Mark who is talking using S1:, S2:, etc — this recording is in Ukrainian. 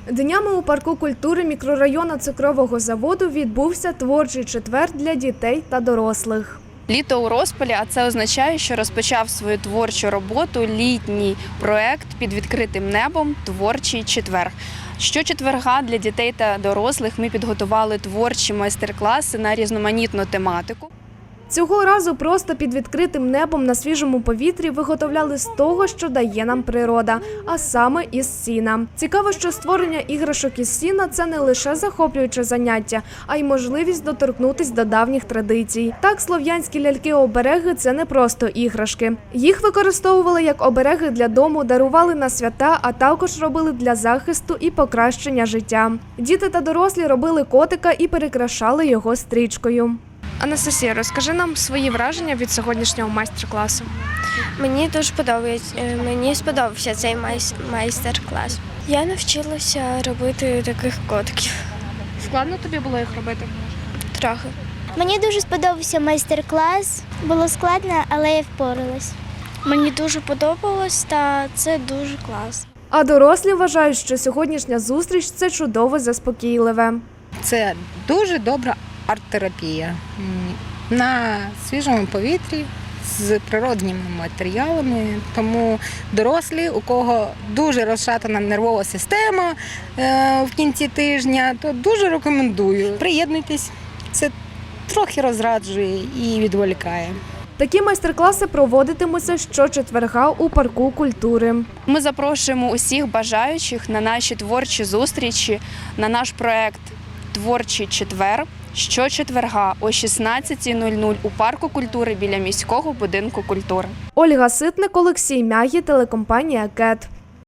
S1: Днями у парку культури мікрорайону Цукрового заводу відбувся творчий четвер для дітей та дорослих.
S2: Літо у розпалі, а це означає, що розпочав свою творчу роботу літній проект під відкритим небом «Творчий четвер». Щочетверга для дітей та дорослих ми підготували творчі майстер-класи на різноманітну тематику.
S1: Цього разу просто під відкритим небом на свіжому повітрі виготовляли з того, що дає нам природа, а саме із сіна. Цікаво, що створення іграшок із сіна – це не лише захоплююче заняття, а й можливість доторкнутися до давніх традицій. Так, слов'янські ляльки-обереги – це не просто іграшки. Їх використовували як обереги для дому, дарували на свята, а також робили для захисту і покращення життя. Діти та дорослі робили котика і перекрашали його стрічкою. Анастасія, розкажи нам свої враження від сьогоднішнього майстер-класу.
S3: Мені дуже подобається. Мені сподобався цей майстер-клас. Я навчилася робити таких котиків.
S1: Складно тобі було їх робити?
S3: Трохи.
S4: Мені дуже сподобався майстер-клас. Було складно, але я впоралась.
S3: Мені дуже подобалось, та це дуже класно.
S1: А дорослі вважають, що сьогоднішня зустріч – це чудово заспокійливе.
S5: Це дуже добра арт-терапія на свіжому повітрі з природніми матеріалами. Тому дорослі, у кого дуже розшатана нервова система в кінці тижня, то дуже рекомендую. Приєднуйтесь, це трохи розраджує і відволікає.
S1: Такі майстер-класи проводитимуться щочетверга у парку культури.
S2: Ми запрошуємо усіх бажаючих на наші творчі зустрічі, на наш проект «Творчий четвер» щочетверга о 16:00 у парку культури біля міського будинку культури.
S1: Ольга Ситник, Олексій Мягі, телекомпанія «КЕТ».